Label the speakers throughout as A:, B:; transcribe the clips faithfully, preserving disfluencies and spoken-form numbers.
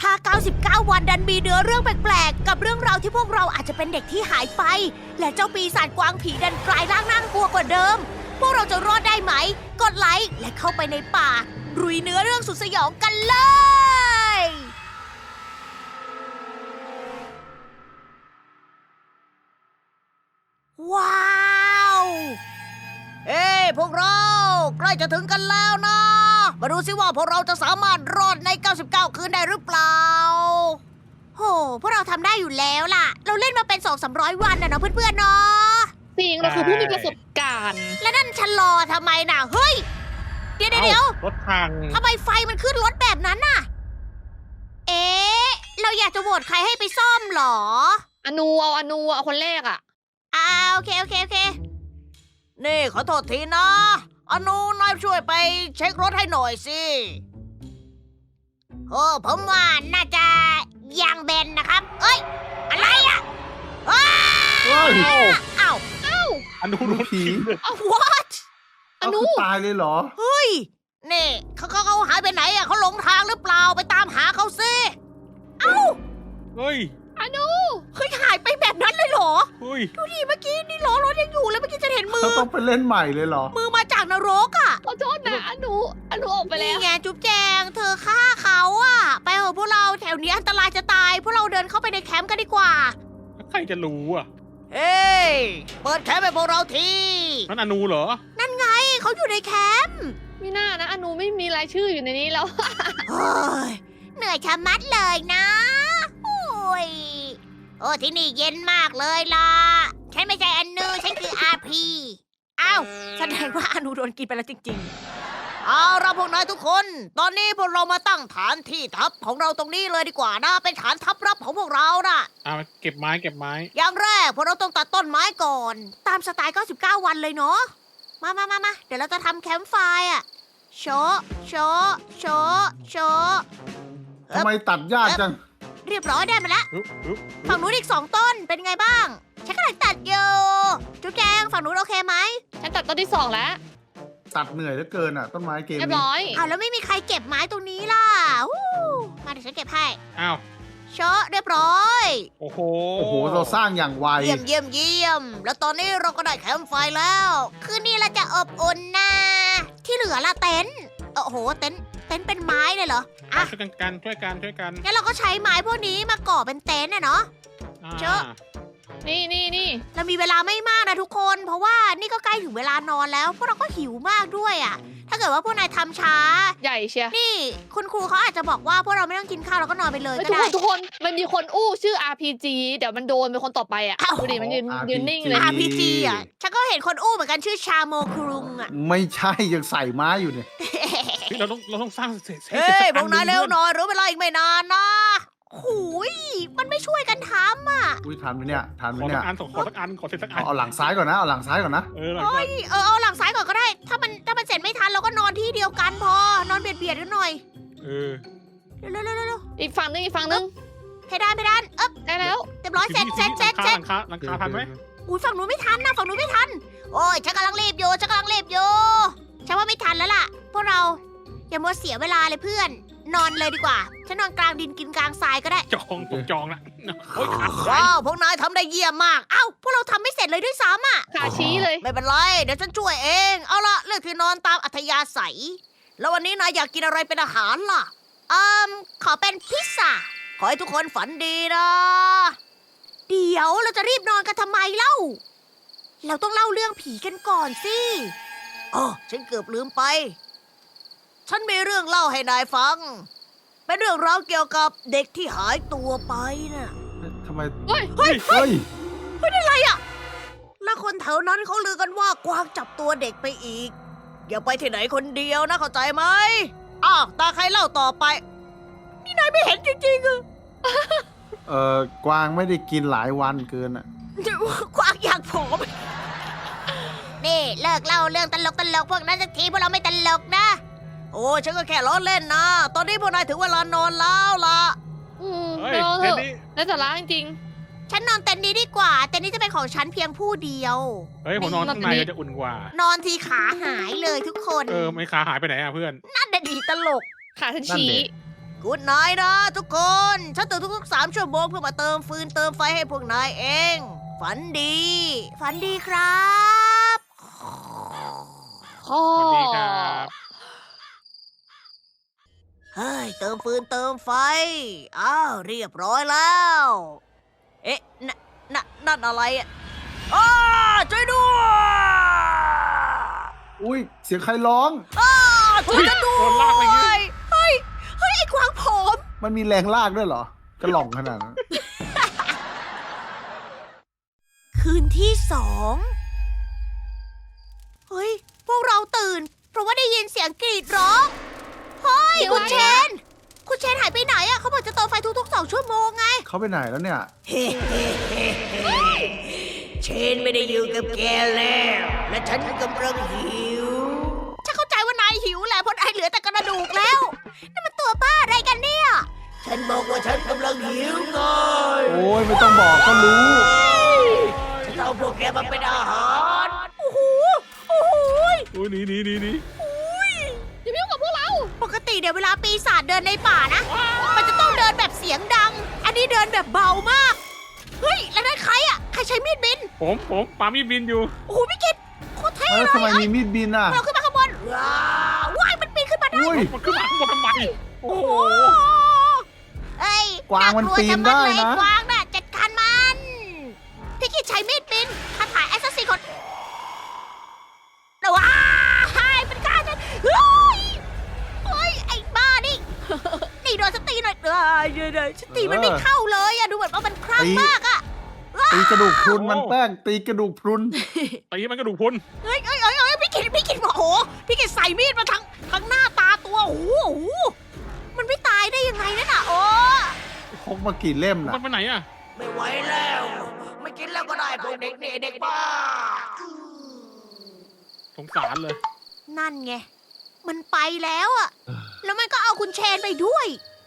A: า เก้าสิบเก้า วันดันมีเนื้อเรื่องแปลกๆ กับเรื่องราวที่พวกเราอาจจะเป็นเด็กที่หายไป และเจ้าปีศาจกวางผีดันกลายร่างน่ากลัวกว่าเดิม พวกเราจะรอดได้ไหม กดไลค์และเข้าไปในป่าลุยเนื้อเรื่องสุดสยองกันเลย ว้าว เอ้ยพวกเราใกล้จะถึงกันแล้วนะ มาดูสิว่าพวกเราจะสามารถรอดใน เก้าสิบเก้า คืนได้หรือเปล่า โห พวกเราทำได้อยู่แล้วล่ะ เราเล่นมาเป็น สองถึงสามร้อย วันนะเนาะเพื่อนๆเนาะ
B: จริงเราคือผู้มีประสบการณ์
A: แล้วนั่นชะลอทำไมน่ะ เฮ้ย เดี๋ยวเดี๋ยว
C: รถพัง
A: ทำไมไฟมันขึ้นรถแบบนั้นน่ะ เอ๊ะ เราอยากจะโหวตใครให้ไปซ่อมเหรอ
B: อนูเอาอนูเอาคนแรกอ่ะ
A: อ่าโอเคโอเคโอเค นี่ขอโทษทีนะ อนุนายช่วยไปเช็ครถให้หน่อยสิโอ้ผมว่าน่าจะยางเบนนะครับ เอ้ย อะไรอ่ะอ้า
D: เฮ้ย
A: อ้าว
C: อนุรถผี
A: อ้าว what
B: อ
D: เอา
B: นุ
D: คือตายเลยเหรอ
A: เฮ้ย นี่เขาเขาเขาหายไปไหนอ่ะเขาหลงทางหรือเปล่าไปตามหาเขาสิ เอ้า
C: เฮ้ย
B: อนุ
A: เฮ้ยหายไปแบบนั้นเลยเหรอ
C: เฮ้ย
A: ดูดิเมื่อกี้นี่ล้อรถยังอยู่เลยเมื่อกี้จะเห็นมื
D: เขา
A: อ
D: ต้องไปเล่นใหม่เลยเหรอ
A: มือมาจากนรกอ่ะ
B: ขอโทษนะอนุอนุออกไปแล้ว
A: นี่ไงจุ๊บแจงเธอฆ่าเขาอะไปเถอะพวกเราแถวนี้อันตรายจะตาย พวกเราเดินเข้าไปในแคมป์กันดีกว่า
C: ใครจะรู้อ่ะ
A: เอ้ยเปิดแคมป์ให้พวกเราที
C: นั่นอนุเหรอ
A: นั่นไงเขาอยู่ในแคมป์
B: ไม่น่านะอนุไม่มีรายชื่ออยู่ในนี้แล้ว
A: เฮ้ยเหนื่อยชะมัดเลยนะโอ้ยโอ้ที่นี่เย็นมากเลยล่ะฉันไม่ใช่อนูฉันคืออาพีอ้าวแสดงว่าอนูโดนกินไปแล้วจริงๆเอาเราพวกนายทุกคน ตอนนี้พวกเรามาตั้งฐานที่ทัพของเราตรงนี้เลยดีกว่านะเป็นฐานทัพรับของพวกเราน่ะ
C: อ่าเก็บไม้เก็บไม้
A: อย่างแรกพวกเราต้องตัดต้นไม้ก่อน ตามสไตล์ เก้าสิบเก้า วันเลยเนาะ มามามามาเดี๋ยวเราจะทำแคมป์ไฟร์อะโชะโชะโชะโชะ
D: ทำไมตัดยากจัง
A: เรียบร้อยได้มาแล้ว
C: อุ๊บอุ๊บ
A: ฝั่งนู้นอีกสองต้นเป็นไงบ้าง ฉันกำลังตัดอยู่จุ๊บแจงฝั่งนู้นโอเคไหม
B: ฉันตัดต้นที่สองแล้ว
D: ตัดเหนื่อยเหลือเกินอ่ะ ต้นไม้เกม
B: เรียบ
D: นี้
B: ร้อย
A: อ้าวแล้วไม่มีใครเก็บไม้ตรงนี้ล่ะวู้มาเดี๋ยวฉันเก็บให้
C: อ้าว
A: โชะเรียบร้อย
C: โอ้โห
D: โอ้โห เราสร้างอย่างไว
A: เยี่ยมเยี่ยมเยี่ยม แล้วตอนนี้เราก็ได้แคมป์ไฟแล้ว คืนนี้เราจะอบอุ่นนะ ที่เหลือละเต็นท์โอ้โห เต็นท์เต็นท์เป็นไม้เลยเหรอ อ่ะ
C: ช่วยกันกันช่วยกันช่วยกัน
A: งั้นเราก็ใช้ไม้พวกนี้มาก่อเป็นเต็นท์อะเนาะ
C: อ่า
A: เจอะ
B: นี่นี่นี่
A: เรามีเวลาไม่มากนะทุกคน เพราะว่านี่ก็ใกล้ถึงเวลานอนแล้ว พวกเราก็หิวมากด้วยอะถ้าเกิดว่าพวกนายทำช้า
B: ใหญ่เชียร์
A: นี่คุณครูเขาอาจจะบอกว่าพวกเราไม่ต้องกินข้าวแล้วก็นอนไปเลย
B: เฮ้ย
A: ก็
B: ทุกค
A: ได้
B: นทุกคนมันมีคนอู้ชื่อ อาร์ พี จี เดี๋ยวมันโดนเป็นคนต่อไปอ่ะ
A: อ้าว
B: ดูดิมันยืน
D: อาร์
B: ยืนนิ่งเลย
A: อาร์ พี จี อะฉันก็เห็นคนอู้เหมือนกันชื่อชาโมครุงอะ
D: ไม่ใช่ยังใส่ไม้อยู่เนี่ย
C: เฮ้ยเราต้องเราต้องสร้างเสร็จ
A: เฮ้ย
C: สั
A: พวกนายเร็วห
C: หน่อย
A: น่อยรู้เวลาอีกไม่นานนะหูยมันไม่ช่วยกันทำอ่ะ
D: อุ้ยทันไหมเนี่ยทันไหม
C: ขอ
D: เนี่
C: สั
D: ย
C: กอันขอสักอันขอเสร็จสักอั
D: เอา
C: น
D: เอาหลังซ้ายก่อนนะ เอาหลังซ้ายก่อนนะ
C: เออหลังจาก
A: เออเอาหลังซ้ายก่อนก็ได้ ถ้ามันถ้ามันเสร็จไม่ทันเราก็นอนที่เดียวกันพอ นอนเบียดเบียดกันหน่อย
C: เออ
A: เร็วเร็วเร็วเร็ว
B: อีกฝั่งนึงอีกฝั่งนึง
A: เพดานเพดานเอ๊บ
B: ได้แล้ว
A: เรียบร้อยเสร็จ
C: ที
A: เสร็จ
C: นี้
A: เสร็จ
C: ห
A: เสร็จ
C: ลังคาหลังคาหลังคาทันไหม
A: อุ้ยฝั่งนู้นไม่ทันนะฝั่งนู้นไม่ทัน โอ้ยฉันกำลังรีบอยู่ฉันกำลังรีบอยู่ฉันว่าไม่ทันแล้วล่ะ พวกเราอย่ามัวเสียเวลาเลยเพื่อน นอนเลยดีกว่า ฉันนอนกลางดินกินกลางทรายก็ได้
C: จองผมจองละโอ้ยขาดไป
A: ว้าวพวกนายทำได้เยี่ยมมาก เอ้าพวกเราทำไม่เสร็จเลยด้วยซ้ำอ่ะ
B: ขาชี้เลย
A: ไม่เป็นไร เดี๋ยวฉันช่วยเอง เอาละเลือกที่นอนตามอัธยาศัย แล้ววันนี้นายอยากกินอะไรเป็นอาหารล่ะอืมขอเป็นพิซซ่า ขอให้ทุกคนฝันดีนะ เดี๋ยวเราจะรีบนอนกันทำไมเล่า เราต้องเล่าเรื่องผีกันก่อนสิอ๋อฉันเกือบลืมไป ฉันมีเรื่องเล่าให้นายฟัง เป็นเรื่องราวเกี่ยวกับเด็กที่หายตัวไปน่ะ
D: ทำไม
B: เฮ้ย
A: เฮ้ย
D: เฮ้ย
A: และคนแถวนั้นเขาลือกันว่ากวางจับตัวเด็กไปอีก อย่าไปที่ไหนคนเดียวนะเข้าใจไหมอ้าวตาใครเล่าต่อไป นี่นายไม่เห็นจริงๆอะ
D: เอ่อกวางไม่ได้กินหลายวันเกินอ่ะ
A: กวางอยากผอมนี่เลิกเล่าเรื่องตลกตลกๆพวกนั้นสักทีพวกเราไม่ตลกนะ โอ้ฉันก็แค่ล้อเล่นนะ ตอนนี้พวกนายถึงเวลานอนแล้วล่ะ
B: อืม
C: เฮ้ย
B: เดี๋ยว
C: เท
B: เถ
C: น
B: อะ
C: นี่
B: แล้วสาระจริง
A: ฉันนอนเต็นท์นี้ดีกว่า เต็นท์นี้จะเป็นของฉันเพียงผู้เดียว
C: เฮ้ยผมนอนข้างในจะอุ่นกว่า
A: นอนทีขาหายเลยทุกคน
C: เออไม่ขาหายไปไหนอ่ะเพื่อน
A: นั่นน่ะดีตลก
B: ๆขาฉัน
D: นั่น
B: ชี้
D: ดิ
A: กูดไนท์นะทุกคนฉันตื่นทุกๆสามชั่วโมงเพื่อมาเติมฟืนเติมไฟให้พวกนายเอง ฝันดี ฝันดีครับ
B: อ๋อ
C: สวัสดีครับ
A: เฮ้ย เติมฟืนเติมไฟ อ้าว เรียบร้อยแล้ว เอ๊ะนนนั่นอะไรอ่ะอ้าช่วยด้วย
D: อุ้ยเสียงใครร้อง
A: อ้าช่วยกันด้
C: โดนลากไป
A: ว
C: อย่างงี้
A: ยเฮ้ย เฮ้ย ไอ้กวางผม
D: มันมีแรงลากด้วยเหรอ กระหล่องขนาดนั้น
A: คืนที่สอง เฮ้ย พวกเราตื่น เพราะว่าได้ยินเสียงกรีดร้อง เฮ้ย คุณเชน คุณเชนหายไปไหนอะเขาบอกจะเติมไฟทุกๆสองชั่วโมงไง
D: เขาไปไหนแล้วเนี่ย
A: เชนไม่ได้อยู่กับแกแล้ว และฉันกำลังหิว ฉันเข้าใจว่านายหิวแหละเพราะนายเหลือแต่กระดูกแล้วนี่มันตัวบ้าอะไรกันเนี่ย ฉันบอกว่าฉันกำลังหิวไง
D: โอ้ยไม่ต้องบอกก็รู้
A: ฉันเอาพวกแกมาเป็นอาหาร โอ้โห โอ้โห
C: อุ้ยหนีหนีหนีหนี
B: อย่ามายุ่งกับพวกเรา
A: ปกติเดี๋ยวเวลาปีศาจเดินในป่านะ มันจะต้องเดินแบบเสียงดัง อันนี้เดินแบบเบามาก เฮ้ย แล้วนั่นใครอะใครใช้มีดบิน
C: ผมผมปามีดบินอยู่
A: โอ้โหพี่กิตโคตรเท่
D: เออ
A: เลย
D: ทำไมมีมีดบินอ่ะ
A: เราขึ้นมาข้างบนว้าวว้ายมันปีนขึ้นมาได้
D: อุ้ย
C: มันขึ้นมาข้างบนทำไม โอ้
A: โอ้
C: โห
A: โหเอ้ย
D: กวางมันปีนได้นะ
A: ากลัวจมัเลยกวางน่ะจัดการมันพี่กิตใช้มีดบินคาถาแอสซัสซินคนว้ายเป็นการฉันเฮ้ยเฮ้ยไอ้บ้านี่ นี่โดนสตีหน่อยเอ้ยเดี๋ยวเดี๋ยวสตีมันไม่เข้าเลยอะดูเหมือนว่ามันคลั่ง
D: ตี
A: มากอะ
D: ตีกระดูกพรุนมันแป้ง ตีกระดูกพรุน
C: ตีมันกระดูกพรุน
A: เฮ้ยเฮ้ยเฮ้ยเฮ้ยพี่กิตพี่กิตโอ้โหพี่กิตใส่มีดมาทั้งทั้งหน้าตาตัวโอ้โหโอ้โหมันไม่ตายได้ยังไงนั่นน่ะโอ้
D: พกมากี่เล่มน่ะ
C: มันไปไหนอะ
A: ไม่ไหวแล้ว ไม่กินแล้วก็ได้พวกเด็กนี่เด็กบ้า
C: สงสารเลย
A: นั่นไง มันไปแล้วอะแล้วมันก็เอาคุณเชนไปด้วย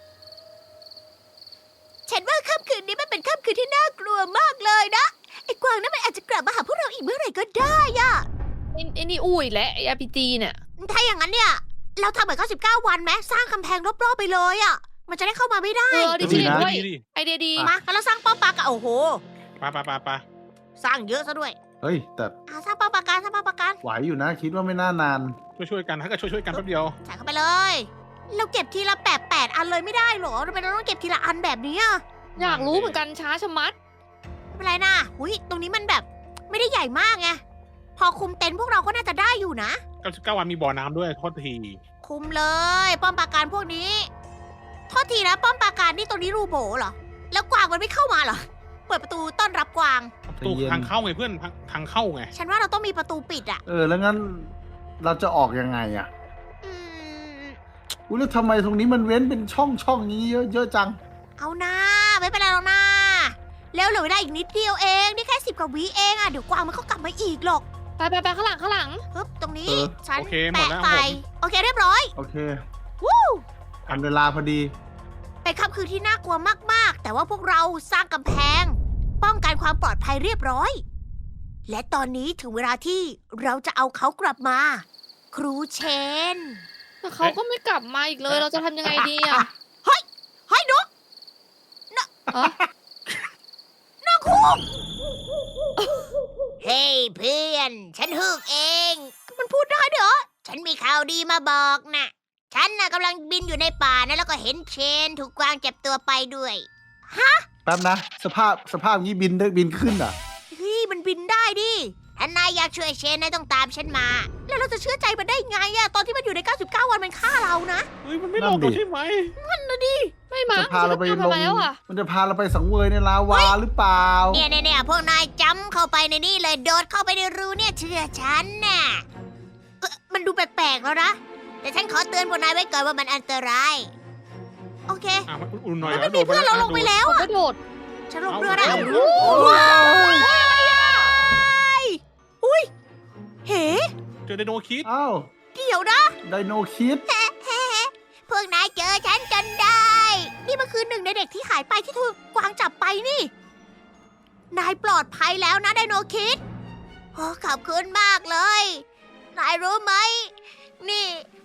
A: ฉันว่าค่ำคืนนี้มันเป็นค่ำคืนที่น่ากลัวมากเลยนะ ไอ้กวางนั่นมันอาจจะกลับมาหาพวกเราอีกเมื่อไหร่ก็ได้อะ
B: ไอ้ไอ้นี่อุ้ยและไอ้ อาร์ พี จี เนี่ย
A: ถ้าอย่างนั้นเนี่ย เราทำเหมือนเก้าสิบเก้าวันไหมสร้างกำแพงรอบๆไปเลยอะมันจะได้เข้ามาไม่ได้
B: เออดี
C: ดี
B: จริง
C: นะ
B: ด้วย
C: ดีดิ
B: ไอเดียดี
A: มาแล้วเราสร้างป้อมปราการโอ้โห
C: ไปไปไปไป
A: สร้างเยอะซะด้วย
D: เฮ้ย แต่
A: อ่าสร้างป้อมปราการสร้างป้อมปราการ
D: ไหวอยู่นะ คิดว่าไม่น่านาน
C: ช่วยช่วยๆกันถ้าก็ช่วยช่วยๆกันแป๊บเดียว
A: ใส่เข้าไปเลย เราเก็บทีละแปดแปดอันเลยไม่ได้เหรอทำไมเราต้องเก็บทีละอันแบบนี้อะ
B: อยากรู้เหมือนกันช้าชะมัด
A: ไม่เป็นไรนะหุยตรงนี้มันแบบไม่ได้ใหญ่มากไง พอคุมเต็นท์พวกเราก็น่าจะได้อยู่นะ
C: เก้าสิบเก้าวันมีบ่อน้ำด้วยโทษที
A: คุมเลย ป้อมปราการพวกนี้ โทษทีนะป้อมปราการนี่ตรงนี้รูโบเหรอ แล้วกวางมันไม่เข้ามาเหรอ เปิดประตูต้อนรับกวาง
C: ประตู
D: ใจเย็น
C: ทางเข้าไงเพื่อนทางทางเข้าไง
A: ฉันว่าเราต้องมีประตูปิดอะ
D: เออ แล้วงั้นเราจะออกยังไงอ่ะ
A: อืม
D: อุ้ยแล้วทำไมตรงนี้มันเว้นเป็นช่องช่องนี้เยอะเยอะจัง
A: เอานะไม่เป็นไรหรอกนะแล้วเหลือเวลาอีกนิดเดียวเองนี่แค่สิบกว่าวิเองอะเดี๋ยวกวางมันก็กลับมาอีกหรอก
B: ไปไปไปข้างหลังข้างหลัง
A: ปึ๊บตรงนี้
D: เออ
A: ฉัน
C: โอเคหมด
A: แปะ
C: แล้ว
A: ไป
C: หมด
A: โอเคเรียบร้อย
D: โอเค
A: วู้
D: อันเวลาพอดี
A: เป็นค่ำคืนที่น่ากลัวมากๆ แต่ว่าพวกเราสร้างกำแพง ป้องกันความปลอดภัยเรียบร้อย และตอนนี้ถึงเวลาที่เราจะเอาเขากลับมา ครูเชน
B: แต่เขาก็ไม่กลับมาอีกเลย เราจะทำยังไงดีอ่ะ
A: เฮ้ยนก
B: ฮะ
A: นกคูกเฮ้ยเพื่อน ฉันฮึกเอง มันพูดได้ด้วยเหรอ ฉันมีข่าวดีมาบอกนะฉันน่ะกำลังบินอยู่ในป่านะแล้วก็เห็นเชนถูกกวางจับตัวไปด้วย
D: แป๊บนะ สภาพสภาพนี้บินได้บินขึ้นอ่ะ
A: เฮ้ยมันบินได้ดิถ้านายอยากช่วยเชนนายต้องตามฉันมา แล้วเราจะเชื่อใจมันได้ไงอะตอนที่มันอยู่ในเก้าสิบเก้าวันมันฆ่าเรานะ
C: เฮ้ยมันไม่
D: นั่
C: ล
D: น
C: ง
D: ดิ
C: เราใช่ไหม
B: ไม่มั้ง
D: จะพาเราไป
B: ฉัน
D: ล
B: ทำ
D: ง
B: มาแล้วอ่ะ
D: มันจะพาเราไปสังเวยในลาวาหรือเปล่า
A: เนี่ยเนี่ยเนี่ยพวกนายจำเข้าไปในนี่เลยโดดเข้าไปในรูเนี่ยเชื่อฉันน่ะเอ่อมันดูแปลกๆแล้วนะ แต่ฉันขอเตือนพวกนายไว้ก่อนว่ามันอันตราย โอเค
C: อ่ะมันอุ่นๆหน่อย
A: มัน
C: แล้
A: ไม่
C: ว
A: มีเพื่อนเราลงไปแล้ว
B: เขา
A: อะ
B: กระโดด
A: ฉันลงเรือได้
C: เอา
A: โอ้โหว้ายอุ้ยเฮ้
C: เจอไดโนคิด
D: อ้าว
A: เดี๋ยวนะ
D: ไดโนคิด
A: พวกนายเจอฉันจนได้ นี่มันคือหนึ่งในเด็กที่หายไปที่ถูกกวางจับไปนี่ นายปลอดภัยแล้วนะไดโนคิดโอ้ขอบคุณมากเลย นายรู้ไหม นี่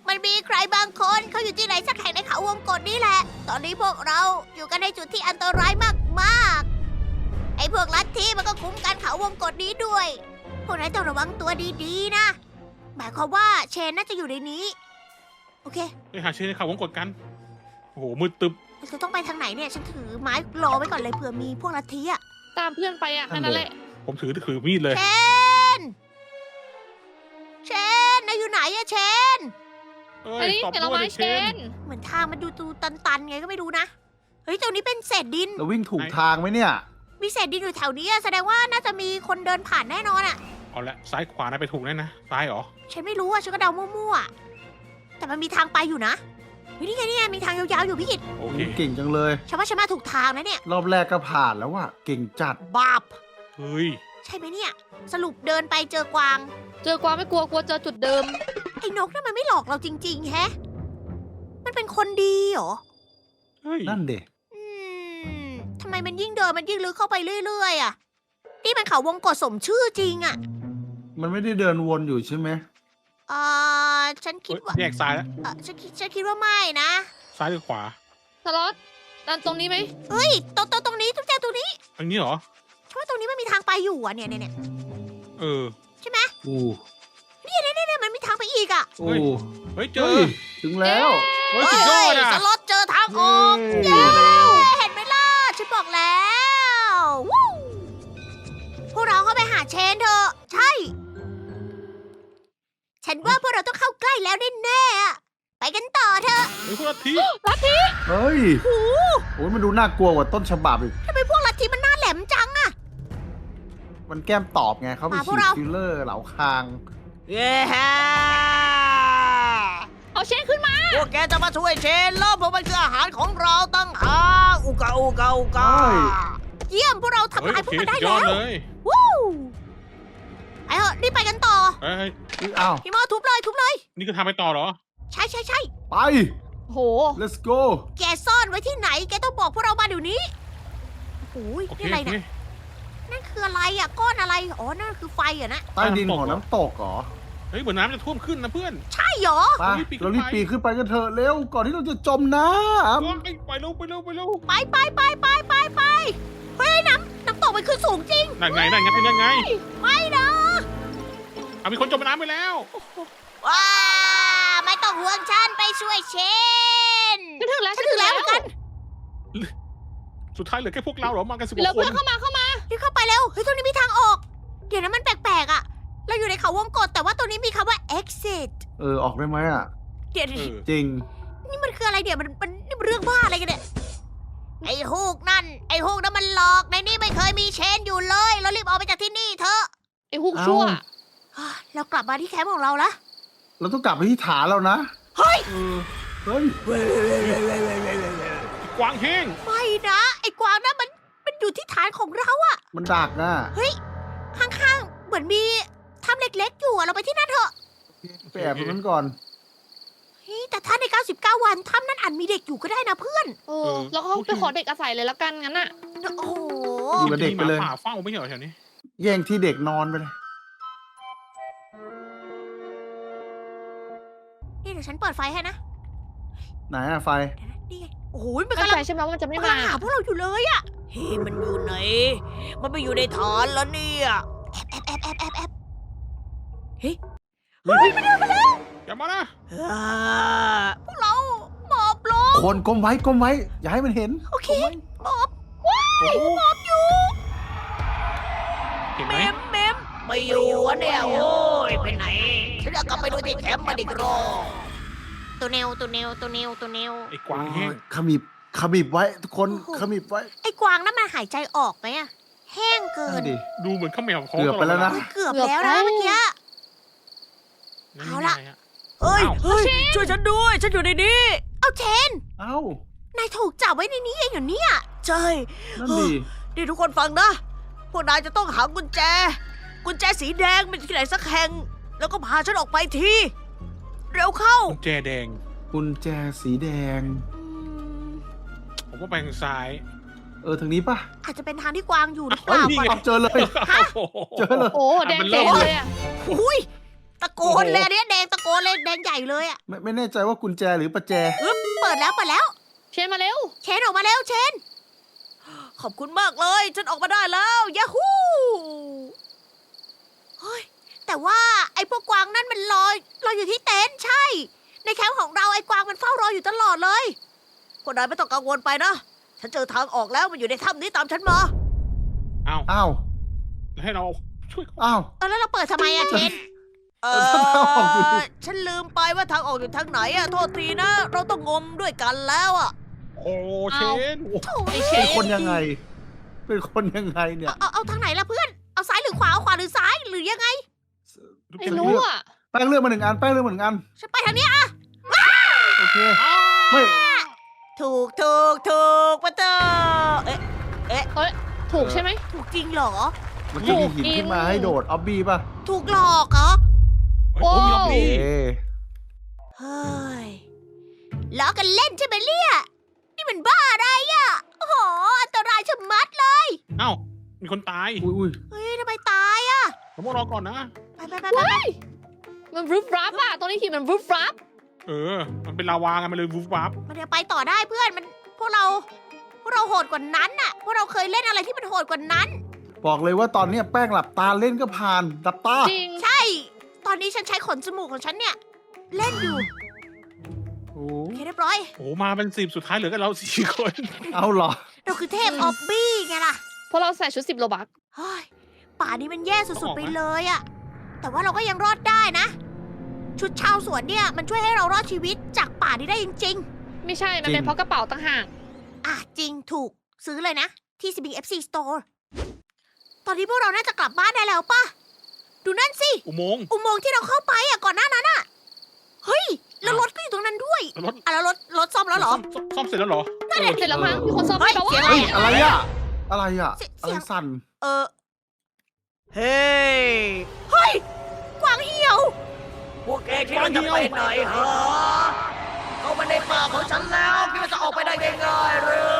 A: มันมีใครบางคนเขาอยู่ที่ไหนสักแห่งในเขาวงกตนี่แหละ ตอนนี้พวกเราอยู่กันในจุดที่อันตรายมากๆ ไอ้พวกลัทธิมันก็คุ้มกันเขาวงกตนี้ด้วย พวกนายต้องระวังตัวดีๆนะ หมายความว่าเชนน่าจะอยู่ในนี้ โอเค
C: ไปหาเชนในข่าววงกดกัน โอ้โห มืดตึบ
A: เราจะต้องไปทางไหนเนี่ย ฉันถือไม้รอไว้ก่อนเลยเผื่อมีพวกลัทธิอะ
B: ตามเพื่อนไปอ่ะแค่นั้นแหละ
C: ผมถือถือมีดเลย
A: เชน เชน นายอยู่ไหนอะเชน
C: เอ้
B: อัน
C: ย
B: นี้
C: ตอบ
B: เห็นเรา
C: ด้วย
B: ไม้
C: ดิ
B: เชน
A: เหมือนทางมันดูตูตันๆไงก็ไม่รู้นะ เฮ้ยตรงนี้เป็นเศษดิน
D: เราวิ่งถูกทางไหมเนี่ย
A: มีเศษดินอยู่แถวนี้อะแสดงว่าน่าจะมีคนเดินผ่านแน่นอนอะ
C: เอาละซ้ายขวานะไปถูกแน่นะ ซ้ายเหรอ
A: ฉันไม่รู้อะฉันก็เดามั่วๆอะแต่มันมีทางไปอยู่นะเฮ้ยนี่ไงนี่ไงมีทางยาวๆอยู่พี่กิต
C: โอเค
D: เก่งจังเลย
A: ฉันว่าฉันมาถูกทางนะเนี่ย
D: รอบแรกก็ผ่านแล้วว่ะ เก่งจัด
A: บาป
C: เฮ้ย
A: ใช่ไหมเนี่ย สรุปเดินไปเจอกวาง
B: เจอกวางไม่กลัวกลัวเจอจุดเดิม
A: ไอ้นกนั่นมันไม่หลอกเราจริง ๆ แฮะ มันเป็นคนดีเหรอ
C: เฮ้ย
D: นั่นเด็
A: อืมทำไมมันยิ่งเดินมันยิ่งลึกเข้าไปเรื่อยๆอะนี่มันเขาวงกตสมชื่อจริงอะ
D: มันไม่ได้เดินวนอยู่ใช่ไหม
A: เอ่อฉันคิด
C: เฮ้ย
A: ว่า
C: แยกซ้ายแล้ว
A: เออฉันคิดฉันคิดว่าไม่นะ
C: ซ้ายหรือขวา
B: สล็อตดันตรงนี้ไหม
A: เฮ้ยตรงตรงตรงนี้ตรงแจตรงนี้
C: ทางนี้เหรอ
A: ฉันว่าตรงนี้มันมีทางไปอยู่อะเนี่ยเนี่ยเนี่ย
C: เออ
D: อู้
A: เนี่ยเนี่ยมันมีทางไปอีกอะ
D: โอ้
C: เฮ้ย เฮ้ย เจ
D: เฮ้
C: อ
D: ยถึงแล้ว
C: เฮ้ย สุดยอดอ่ะ
A: สล็อตเจอทางออก
D: เย้
A: เห็นไหมล่ะ ฉันบอกแล้ววู้พวกเราเข้าไปหาเชนเถอะ ใช่ ฉันว่าพวกเราต้องเข้าใกล้แล้วแน่ๆอะไปกันต่อเถอะ
C: เฮ้ยพวกลัทธิ
D: เฮ้ย
A: โอ้โห
D: โอ้ยมันดูน่ากลัวกว่าต้นฉบับอีก
A: ทำไมพวกลัทธิมันหน้าแหลมจังอะ
D: มันแก้มตอบไงเขาไป
A: มาพว
D: ฉี
A: ก
D: ด
A: เรา
D: ฟิลเลอร์เหลาคาง
A: เย้
B: เอาเชนขึ้นมา
A: พวกแกจะมาช่วยเชนแล้วเพราะมันคืออาหารของเราตั้งหากอุกาอุกาอุกา
D: เฮ้ย
A: เยี่ยมพวกเราทำ
C: เฮ้ย
A: ลาย
C: โอ
A: พวก
C: เค
A: มันได้
C: สุดยอ
A: แล้
C: ด
A: ว
C: เลย
A: วู้ไอ้เหอะรีบไปกันต่อ
C: เฮ้ย
D: อุ๊ยอ้าว
A: พี่โมทุบเลยทุบเลย
C: นี่คือทางไปต่อเหรอ
A: ใช่ใช่ใช่
D: ไป
B: โห
D: let's go
A: แกซ่อนไว้ที่ไหน แกต้องบอกพวกเรามาเดี๋ยวนี้โอ้ย
C: โอเค
A: นี่อะไร
C: โอเค
A: เนี่ยนั่นคืออะไรอ่ะก้อนอะไร อ๋อ นั่นคือไฟเหรอ่ะนะ
D: ใต้ดินของน้ำตกเหรอ
C: เฮ้ย เหมือนน้ำจะท่วมขึ้นนะเพื่อน
A: ใช่เหรอ
D: ไป
C: รีบปีนขึ้น
D: เรารีบ
C: ไป
D: ปีนขึ้นไปกันเถอะเร็ว ก่อนที่เราจะจมน้
C: โอ้ยไปเร็วไปเร็วไปเร็ว
A: ไปไปไปไปไปไปเฮ้ยน้ำน้ำตกมันขึ้นสูงจริง
C: นั่นไงนั่นไงนั่นไง
A: ไม่นะ
C: เอามีคนจมน้ำไปแล้ว
A: ว้าไม่ต้องห่วงฉันไปช่วยเชน
B: ฉันถึงแล้ว
A: ฉันถึงแล้วเหมือนกัน
C: สุดท้ายเหลือแค่พวกเราเหรอ มากันสิบก
B: เหลือ
C: ว่าค
B: เพื่อน
C: น
B: เข้ามาเข้ามา
A: รีบเข้าไปเร็ว เฮ้ยตรงนี้มีทางออก เดี๋ยวนะมันแปลกๆอ่ะ เราอยู่ในเขาวงกตแต่ว่าตรงนี้มีคำว่า exit
D: ำเออ ออกได้ไหมอ่ะ
A: เดี๋ยว
C: เออ
D: จริง
A: นี่มันคืออะไรเดี๋ยวมันมันนี่มันเรื่องบ้าอะไรกันเนี่ย ไอ้ฮูกนั่น ไอ้ฮูกนั่นมันหลอกในนี่ไม่เคยมีเชนอยู่เลย เรารีบออกไปจากที่นี่เถอะ
B: ไอ้ฮุกชั่ว
D: เอ้า
A: เรากลับมาที่แคมป์ของเราละ
D: เราต้องกลับไปที่ฐานแล้วนะ
A: เฮ้ย
C: เออ
D: เฮ้ย
C: กวางแห้ง
A: ไม่นะ ไอ้กวางนั่นมันมันอยู่ที่ฐานของเราอะ
D: มันดักอ่ะ
A: ข้างๆ เหมือนมีถ้ำเล็กๆอยู่อะเราไปที่นั่นเถอะ
D: ไปแอบตรงนั้นก่อน
A: เฮ้ยแต่ถ้าใน เก้าสิบเก้า วันถ้ำนั้นอาจมีเด็กอยู่ก็ได้นะเพื่อน
B: เออ แล้วก็ไปขอเด็กอาศัยเลยละกันงั้นน่ะ
A: โอ้โห
D: อยู่กับเด็กไปเลย
C: มีหมาป่าเฝ้าไม่ใช่เหรอแถวนี้
D: แย่งที่เด็กนอนไปเลย
A: นี่เดี๋ยวฉันเปิดไฟให้นะ
D: ไหนอะไฟ
A: เดี๋ยวนะนี่ไงโอ้โหมัน
B: เข้าก
A: ำลั
B: ใจ
A: ง
B: ใช่ไหมว่ามันจะไม่
A: มันกำ
B: มา
A: ลังหาพวกเราอยู่เลยอะเฮ้ยมันอยู่ไหน มันไปอยู่ในฐานแล้วเนี่ยแอบแอบแอบแอบแอบแอบเฮ้ยเฮ้ยมันเดินมาแล้ว
C: อย่ามานะ
A: อ่าพวกเราหมอบลง
D: คนก้มไว้ก้มไว้ อย่าให้มันเห็น
A: โอเค
D: ก้มไว้
A: หมอบว้ายหมอบอยู่
C: เห็นไหม
A: เมมเมมไม่อยู่วะเนี่ยโอ้ยไปไหน ฉันจะกลับไปดูที่แคมป์มันอีกรอบตัวเนวตัวเนวตัวเนวตัวเนว
C: ไอ้กวางแห้ง
D: ขมิบขมิบไว้ ทุกคน
A: โอ้โห
D: ขมิบไว้
A: ไอ้กวางนั้นมันหายใจออกไหมอะแห้งเกิ
D: นั่
A: น
D: นดิ
C: ดูเหมือนข้าวเหนียว
D: เกือบไปแล้วนะ
A: เกือบแล้วนะเมื่อกี้ เอาละ
C: นี่ไงฮ
A: เฮ้ย
C: อ้าว
A: เฮ้ยช่วยฉันด้วย ฉันอยู่ในนี้ เอาเชน
D: เอ้าน
A: ายถูกจับไว้ในนี้เองเหรอเนี่ยใช่
D: นั่นดิ
A: นี่ทุกคนฟังนะ พวกนายจะต้องหากุญแจ กุญแจสีแดงเป็นที่ไหนสักแห่ง แล้วก็พาฉันออกไปที เร็วเข้า
C: กุญแจแดง
D: กุญแจสีแดง
C: ผมว่าไปทางซ้าย
D: เออทางนี้ปะ
A: อาจจะเป็นทางที่กวางอยู่หรือเป
D: เฮ้ย
A: ล่า
C: นี่
A: ก่อน
C: ไง
D: เอาเจอเลย เจอเลย
B: โอ้แดง
C: มัน
B: เจ๋
C: เริ่
B: ง
C: ม
B: เลยอ่ะ
A: อุ้ยตะโกนเลยอันเนี้ยแดงตะโกนเลยแดงใหญ่เลยอ่ะ
D: ไม่ไม่แน่ใจว่ากุญแจหรือประแจ
A: อึ๊บเปิดแล้วเปิดแล้ว
B: เชนมาเร็ว
A: เชนออกมาแล้วเชน ขอบคุณมากเลย ฉันออกมาได้แล้วยาฮูเฮ้ยแต่ว่าไอ้พวกกวางนั่นมันลอยลอยอยู่ที่เต็นท์ใช่ ในแคมป์ของเราไอ้กวางมันเฝ้ารออยู่ตลอดเลยพวกนายไม่ต้องกังวลไปนะ ฉันเจอทางออกแล้วมันอยู่ในถ้ำนี้ตามฉันมา
C: อ้าว
D: อ้าว
C: แล้วให้เราช่วย
D: อ้าว
A: เออแล้วเราเปิดทำไมอะเชน เอ
D: ทางออกอยู่ดิ
A: อฉันลืมไปว่าทางออกอยู่ทางไหนอะโทษทีนะ เราต้องงมด้วยกันแล้วอะ
C: โอ้เชน
A: โถ่
B: ไอ้เช
D: เป็นคนยังไง เป็นคนยังไงเนี่ย
A: เอาเอาเอาทางไหนล่ะเพื่อน เอาซ้ายหรือขวาเอาขวาหรือซ้ายหรือยังไง
B: ไม่รู้อ่ะ
D: แป้งเลือกมาหนึ่งอันแป้งเลือกมาหนึ่งอัน
A: ฉันไปทางนี้อะ
D: โอเค ไม่
A: ถูกถูกถูกปะเตอเอ๊ะ
B: เฮ้ย ถูกใช่ไหม
A: ถูกจริงเหรอ
D: เมื่อกี้มีหินขึ้นมาให้โดดออบบี้ป่ะ
A: ถูกหลอกเหรอ
C: โอ้ยมีออ
D: เอ
C: บบี้
A: เฮ้ยล้อกันเล่นใช่ไหมเนี่ยนี่มันบ้าอะไรอะโอ้โหอันตรายชะมัดเลย
C: เอ้ามีคนตาย
D: อุ้ยอุ้ย
A: เฮ้ยทำไมตายอะ
C: ผมต้องรอก่อนนะ
A: ไปไปไปไป
B: ว้ายมันรูฟรับอ่ะตรงนี้หินมันรูฟรับ
C: เออ มันเป็นลาวาไงมันเลยวูบวับ
A: มันเดี๋ยวไปต่อได้เพื่อนมันพวกเรา พวกเราโหดกว่านั้นน่ะ พวกเราเคยเล่นอะไรที่มันโหดกว่านั้น
D: บอกเลยว่าตอนเนี้ยแป้งหลับตาเล่นก็ผ่านหลับตา
B: จริง
A: ใช่ ตอนนี้ฉันใช้ขนจมูกของฉันเนี่ย เล่นอยู่
D: โอ้
A: โอเคเรียบร้อย
C: โอ้โหมาเป็นสิบสุดท้ายเหลือกันเราสี่คน
D: เอาเหรอ
A: เราคือเทพออบบี้ไงล่ะ
B: เพราะเราใส่ชุดสิบโลบัก
A: เฮ้ยป่านี้มันแย่สุดๆไปเลยอะแต่ว่าเราก็ยังรอดได้นะ ชุดชาวสวนเนี่ยมันช่วยให้เรารอดชีวิตจากป่านี้ได้จริง
B: ไม่ใช่ มันเป็นเพราะกระเป๋าต่างหาก
A: ๆ อ่ะจริงถูกซื้อเลยนะ ที่ ซี บี เอฟ ซี Store ตอนนี้พวกเราน่าจะกลับบ้านได้แล้วป่ะ ดูนั่นสิ
C: อุโมงค์
A: อุโมงค์ที่เราเข้าไปอ่ะก่อนหน้านั้นอ่ะ เฮ้ย แล้วรถก็อยู่ตรงนั้นด้วย
C: รถ
A: อ่ะแล้วรถรถซ่อมแล้วเหรอ
C: ซ่มซ่อมซ่อมเสร็จแล้วเหรอ
B: นั่นแหละเสร็จแล้วมั้งมีคนซ่อม
A: เฮ้
B: ให้
A: ย
B: แปลว่า
A: เสียงอะไร
D: เฮ้ย
A: อะ
D: อะไรอะอะไรอะ
A: เสีย
D: อะไรสั่น
A: เออ เฮ้ย เฮ้ย กวางเหี่ยว พวกแกคิดว่าจะไปไหนฮะเข้ามาในป่าของฉันแล้วคิดว่าจะออกไปได้ง่ายๆหรือ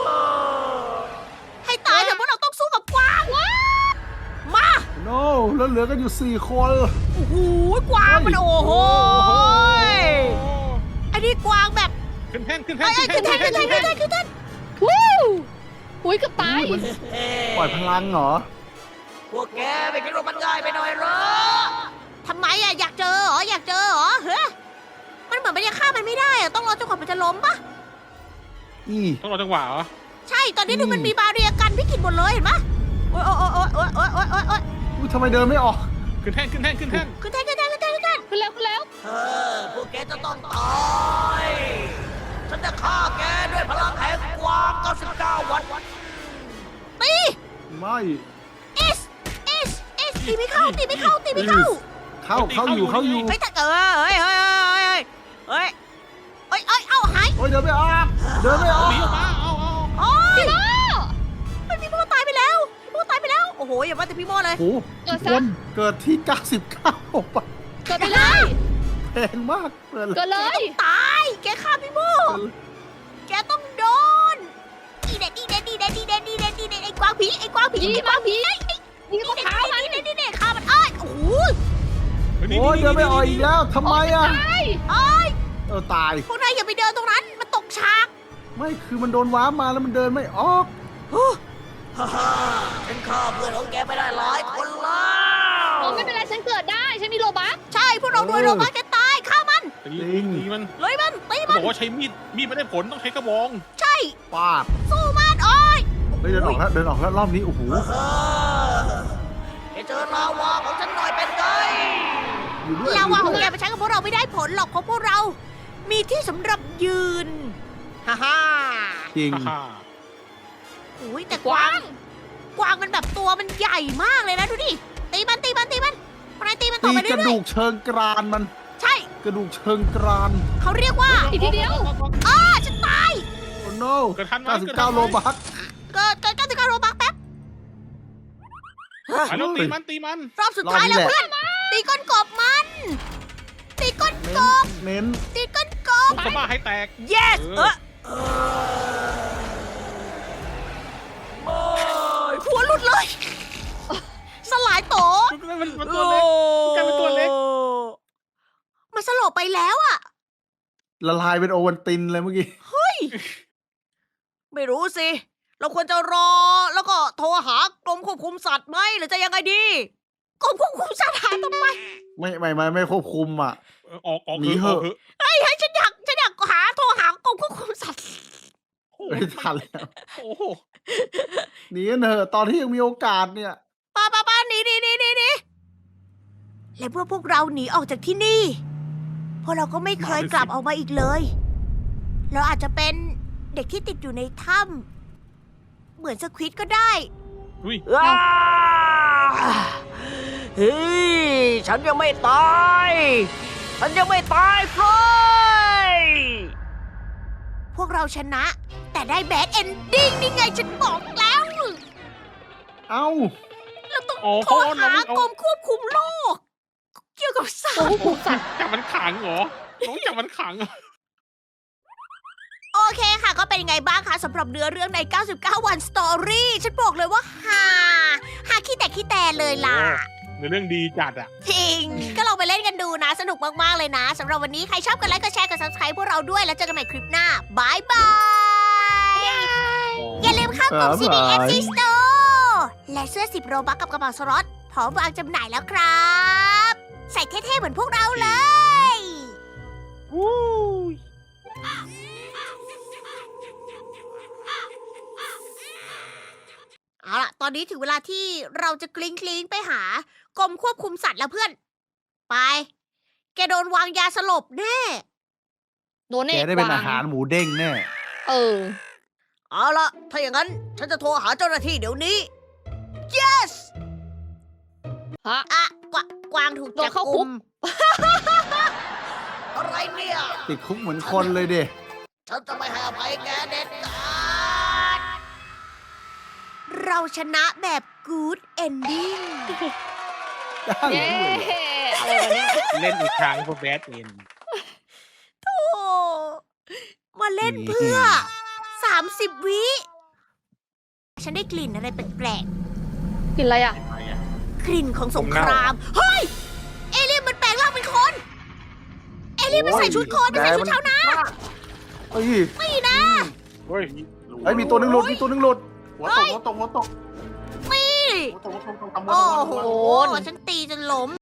A: ให้ตายเถอะพวกเราต้องสู้กับกวางมา
D: โน้แล้วเหลือกันอยู่สี่คน
A: โอ้โหกวางมันโอ้โหไอ้นี่กวางแบบ
C: ขึ้นแท่นขึ้นแท่
A: ไอ้
C: น
A: ไอ้คือแทนคือแทนคือแทนคือแทน
B: วู้อุ้ยเกับตาย
D: ปล่อยพลังเหรอ
A: พวกแกไม่คิดว่ามันง่ายไปหน่อยเหรอทำไมอะอยากเจอเหรออยากเจอเหรอเฮ้ยมันเหมือนมันยังฆ่ามันไม่ได้อะต้องรอจนกว่ามันจะล้มปะ
D: อี
C: ต้องรอจังหวะเหรอ
A: ใช่ตอนนี้ดูมันมีบาเรียกันพี่กินหมดเลยเห็นปะโอ๊ยโอ๊ยโอ๊ยโอ๊ยโอ๊ยโอ๊ยโอ๊ยโอ๊ย
D: อุ้ยทำไมเดินไม่ออก
C: ขึ้นแท่นขึ้นแท่นขึ้นแท่น
A: คือแทนคือแทนคือแทนคือแทน
B: ขึ้นแล้วขึ้นแล้ว
A: เออพวกแกจะต้องตายฉันจะฆ่าแกด้วยพลังแห่งกวางเก้าสิบเก้าวันตี
D: ไม่
A: เอสเอสเอสตีไม่เข้าตีไม่เข้าตีไม่เข้า
D: เข้าเข้าอยู่เข้าอยู่
A: เฮ้ยแต่เออเฮ้ยเฮ้ยเฮ้ยเฮ้ยเฮ้ยเฮ้ยเอาหาย
D: โอ้ยเดินไม่ออกเดินไม่ออก
C: หนีออกมาเอาเอา
A: โอ้ย
B: พี่โม
A: มันพี่โมตายไปแล้วพี่โมตายไปแล้วโอ้โหอย่าว่าแต่พี่โมเลย
D: โอ้โห
B: เกิด
D: ค
B: ซะ
D: นเกิดที่เก้าสิบเก้าปะ
B: เกิดไปเลย
D: แพงมากเปิดเลย
B: เกิดเลย
A: ตายแกฆ่าพี่โมแกต้องโดนดีเด็ดดีเด็ดดีเด็ดดีเด็ดดีเด็ดดีเด็ดไอ้กวางผีไอ้กวางผี
B: ยิง
A: ไอ้ก
B: มาว
A: างผี
B: ผียิง
A: นี่
B: ก็
A: เด็ด
B: เท้ามัน
A: นี่เด็ดนี่เด็ดฆ่ามันเอ้ยโอ้โห
D: โอ้ยเดินไม่ออกอีกแล้วทำไมอ่ะ
B: ตาย
A: เอ้ย
D: เออตาย
A: พวกนายอย่าไปเดินตรงนั้นมันตกฉาก
D: ไม่คือมันโดนว้าร์ปมาแล้วมันเดินไม่ออก
A: ฮ่าฮ่าฉันฆ่าเพื่อนของแกไปได้หลายคนแล้
B: โอ้
A: ว
B: ไม่เป็นไรฉันเกิดได้ฉันมีโลบัก
A: ใช่พวกเราด้วยโรบัสจะตายฆ่ามัน
C: ตีตีมัน
A: เลยมันตี
C: เขา
A: มั
C: บ
A: น
C: อกว่าใช้มีดมีดไม่ได้ผลต้องใช้กระบอง
A: ใช่
D: ปาด
A: สู้มันโอ้ย
D: เฮ้ยเดินออกแล้วเดินออกแล้วรอบนี้โอ้โห
A: แกเจอลาวาของฉันหน่อยเป็นไง
D: อยู่ด้วย
A: ลาวา
D: อ
A: ของ
D: ยู่
A: แก
D: ด้วย
A: ไปใช้กับพวกเราไม่ได้ผลหรอกเพราะพวกเรา มีที่สำหรับยืน ฮ่าฮ่า
D: จริง
C: ฮ่า
A: โอ้ยแต่
B: ก
A: กวาว
B: าง ง
A: กวางมันแบบตัวมันใหญ่มากเลยนะดูดิ ตีมันตีมันตีมันพนายตีมันต่
D: ตี
A: อไป
D: ก
A: เรื่
D: ระ
A: อ
D: ดู
A: ย
D: กเชิงกรานมัน
A: ๆ ใช่
D: กระดูกเชิงกราน
A: เขาเรียกว่า
B: อีกทีเดียว
A: อ้าฉันตาย
D: โอ้โน
C: เกิดทันไหม
D: เก้าสิบ
C: เกิดทั
D: เก้าน
C: ไหม
D: โลบัค
A: เกิดเกิดเก้าสิบเก้าโรบักแป๊บ
C: ไปแล้วตีมันตีมัน
A: รอบสุดท้ายแล้วเพื่อน ตีก้นกบมัน ตีก้นกบ
D: เน้น
A: ตีก้นกบ
C: ลูกสะบ้าให้แตก
A: yes
C: เอ
A: เอ
C: อ
A: อหัวหลุดเลย สลายโต
C: มันมันตัวเล็ก กลายเป็นตัวเล็ก
A: โอ้แล้วอะ
D: ละลายเป็นโอวัลตินเลยเมื่อกี้
A: ไม่รู้สิ เราควรจะรอแล้วก็โทรหากรมควบคุมสัตว์ไหมหรือจะยังไงดีกรมควบคุมสัตว์หาทำไม
D: ไม่ไม่ไม่ไม่ควบคุมอ่ะ
C: เออออกออก
D: หนีเหอะ
C: กถอะ
A: เฮ้ยฉันอยากฉันอยากหาโทรหากรมควบคุมสัตว์
C: โอ้โห
D: ไม่ทันแล้ว
C: โอ้โห
D: หนีกันเถอะตอนที่ยังมีโอกาสเนี่ย
A: ป้าป้าป้าหนีหนีหนีหนีหนีและเมื่อพวกเราหนีออกจากที่นี่พวกเราก็ไม่เคยกลับออกมาอีกเลย เราอาจจะเป็นเด็กที่ติดอยู่ในถ้ำเหมือนสควิดก็ได้
C: อุ้ย
A: เฮ้ยฉันยังไม่ตาย ฉันยังไม่ตายเฟยพวกเราชนะ แต่ได้แบดเอนดิ้งนี่ไงฉันบอกแล้ว
D: เอ้า
A: เราต้อง
C: โอ้
A: โทร
C: โหน้
A: หา
C: องเอา
A: กรมควบคุมโรคเกี่ยวกับสัต
B: ตัว
A: ว์
B: ควบคุมสัตว์
C: จับมันขังเหรอน้องจับมันขังเหรอ
A: โอเคค่ะ ก็เป็นยังไงบ้างคะสำหรับเนื้อเรื่องใน เก้าสิบเก้า วันสตอรี่ ฉันบอกเลยว่าฮาฮาขี้แต่ขี้แต่เลยล่ะ
C: ในเรื่องดีจัดอ่ะ
A: จริง ก็ลองไปเล่นกันดูนะ สนุกมาก ๆ เลยนะสำหรับวันนี้ใครชอบกันไลค์ก็แชร์กับ ซับสไครบ์ พวกเราด้วย แล้วเจอกันใหม่คลิปหน้าบายบาย อย่าลืมเข้ากลุ่ม ซี ดี เอฟ ซี Store และเสื้อสิบโรบัคกับกระเป๋าสล็อตพร้อมวางจำหน่ายแล้วครับ ใส่เท่ ๆ เหมือนพวกเราเลย เอาล่ะ ตอนนี้ถึงเวลาที่เราจะกลิ้งกลิ้งๆไปหากรมควบคุมสัตว์แล้วเพื่อน ไป แกโดนวางยาสลบแน่
B: โดน
D: แก
B: เอก
D: ได้เป็น
B: ว
D: อาหารหมูเด้งแน่
B: เออ
A: เอาล่ะ ถ้าอย่างนั้น ฉันจะโทรหาเจ้าหน้าที่เดี๋ยวนี้ yes
B: ฮะ
A: อะกวางกวางถูก
B: โดน
A: จับ
B: เข้าคุ
A: กุ
B: ก
A: ม อะไรเนี่ย
D: ติดคุกเหมือนคนเลยเด็
A: ฉันจะไม่ให้อภัยแกเด็ดขาด เราชนะแบบ good ending
B: เย้อะไรวะเนี่ย
C: เล่นอีกครั้งพวกแบดเอ็น
A: โอ้มาเล่นเพื่อ สามสิบ วิ ฉันได้กลิ่นอะไรแปลก
B: กินอะไรอ่ะ
A: ๆ กลิ่นของสงคราม เฮ้ย เอเลี่ยนมันแปลงร่างเป็นคน เอเลี่ยนมันใส่ชุดโคนมันใส่ชุดชาวนา
D: เอ้ย
A: ไม่นะ
C: เฮ้ย
D: ไอ้ยมีตัวหนึงหลุดมีตัวหนึงหลุดหัวตกหัวตกหัวตก
A: นี่
D: หัวตกหัวตกหัวตกหัวตกหัวตก
A: โอ้โห ฉันตีจนล้ม